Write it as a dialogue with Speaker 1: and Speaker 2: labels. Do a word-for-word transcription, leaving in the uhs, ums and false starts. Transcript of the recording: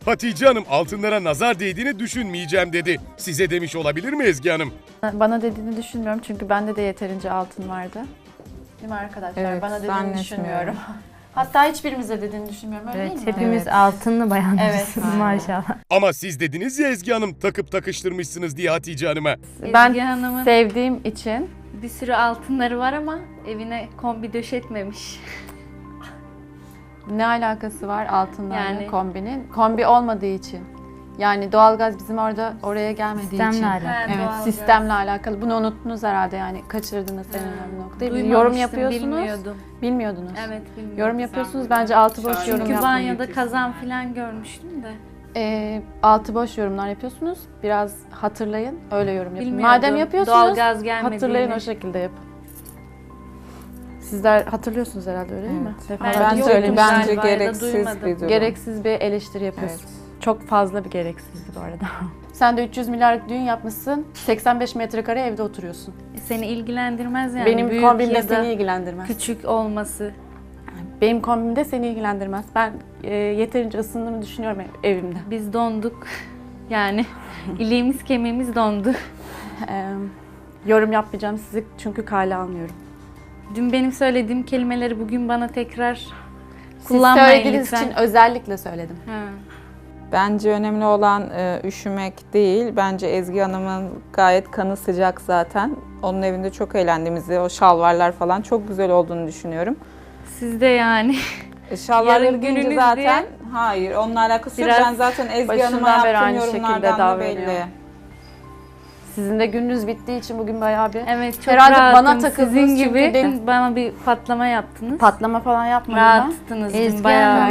Speaker 1: Hatice Hanım altınlara nazar değdiğini düşünmeyeceğim dedi. Size demiş olabilir mi Ezgi Hanım?
Speaker 2: Bana dediğini düşünmüyorum çünkü bende de yeterince altın vardı. Değil mi arkadaşlar?
Speaker 3: Evet,
Speaker 2: Bana dediğini
Speaker 3: zannetmiyorum.
Speaker 2: düşünmüyorum. Hatta hiçbirimize dediğini düşünmüyorum. Öyle
Speaker 4: Evet,
Speaker 2: değil mi?
Speaker 4: hepimiz
Speaker 3: Evet.
Speaker 4: altınlı bayanlarız
Speaker 2: Evet.
Speaker 4: maşallah.
Speaker 1: Ama siz dediniz ya Ezgi Hanım takıp takıştırmışsınız diye Hatice Hanım'a.
Speaker 2: Ben
Speaker 5: Ezgi Hanım'ın
Speaker 2: sevdiğim için
Speaker 5: bir sürü altınları var ama evine kombi döşetmemiş.
Speaker 2: ne alakası var altınlarla
Speaker 5: Yani-
Speaker 2: kombinin? Kombi olmadığı için. Yani doğalgaz bizim orada oraya gelmediği için.
Speaker 4: Sistemle alakalı.
Speaker 5: Ha,
Speaker 2: Evet,
Speaker 5: doğalgaz.
Speaker 2: sistemle alakalı. Bunu unuttunuz herhalde yani kaçırdınız senin bu noktayı.
Speaker 5: Duymamıştım,
Speaker 2: Yorum yapıyorsunuz.
Speaker 5: Bilmiyordum.
Speaker 2: Bilmiyordunuz.
Speaker 5: Evet, bilmiyordum.
Speaker 2: Yorum yapıyorsunuz. Bence altı boş yorum
Speaker 5: Çünkü
Speaker 2: yapmayın.
Speaker 5: banyoda kazan falan görmüştüm de.
Speaker 2: Ee, altı boş yorumlar yapıyorsunuz. Biraz hatırlayın. Öyle yorum yapın.
Speaker 5: Bilmiyordum.
Speaker 2: Madem yapıyorsunuz
Speaker 5: Doğalgaz gelmediğini.
Speaker 2: hatırlayın o şekilde yapın. Sizler hatırlıyorsunuz herhalde öyle değil mi?
Speaker 3: Evet.
Speaker 2: Defalarca
Speaker 5: Ben
Speaker 3: Bence,
Speaker 5: yoktum
Speaker 2: söylemiş.
Speaker 5: galiba
Speaker 3: bence
Speaker 5: ya da
Speaker 3: gereksiz
Speaker 5: duymadım.
Speaker 3: bir durum.
Speaker 2: Gereksiz bir eleştiri yapıyorsunuz.
Speaker 3: Evet.
Speaker 2: Çok fazla bir gereksizdi bu arada. Sen de üç yüz milyarlık düğün yapmışsın. seksen beş metrekare evde oturuyorsun.
Speaker 5: Seni ilgilendirmez yani.
Speaker 2: Benim
Speaker 5: Büyük
Speaker 2: kombimde
Speaker 5: ya da
Speaker 2: seni ilgilendirmez.
Speaker 5: küçük olması.
Speaker 2: Benim kombimde seni ilgilendirmez. Ben e, yeterince ısındığımı düşünüyorum ev- evimde.
Speaker 5: Biz donduk. Yani iliğimiz kemiğimiz dondu.
Speaker 2: Ee, yorum yapmayacağım sizi çünkü kale almıyorum.
Speaker 5: Dün benim söylediğim kelimeleri bugün bana tekrar
Speaker 2: Siz
Speaker 5: kullanmayın
Speaker 2: söylediğiniz
Speaker 5: lütfen.
Speaker 2: için özellikle söyledim.
Speaker 5: Ha.
Speaker 3: Bence önemli olan e, üşümek değil. Bence Ezgi Hanım'ın gayet kanı sıcak zaten. Onun evinde çok eğlendiğimizi, o şalvarlar falan çok güzel olduğunu düşünüyorum.
Speaker 5: Siz de yani.
Speaker 3: E, şalvarları
Speaker 5: Yarın
Speaker 3: giyince
Speaker 5: gününüz
Speaker 3: zaten,
Speaker 5: diye
Speaker 3: hayır onunla alakası yok.
Speaker 5: biraz
Speaker 3: Ben zaten Ezgi
Speaker 2: başından
Speaker 3: Hanım'a
Speaker 2: beri
Speaker 3: yaptığım
Speaker 2: aynı şekilde
Speaker 3: yorumlardan da
Speaker 2: davranıyor.
Speaker 3: belli.
Speaker 2: Sizin de gününüz bittiği için bugün bayağı bir
Speaker 5: Evet, çok
Speaker 2: Herhalde
Speaker 5: rahatım.
Speaker 2: bana takıldınız
Speaker 5: Sizin
Speaker 2: çünkü
Speaker 5: gibi
Speaker 2: dedim-
Speaker 5: bana bir patlama yaptınız.
Speaker 2: patlama falan yapmadım ben.
Speaker 5: Rahattınız dün
Speaker 4: Ezgi
Speaker 5: bayağı.
Speaker 4: Hanım,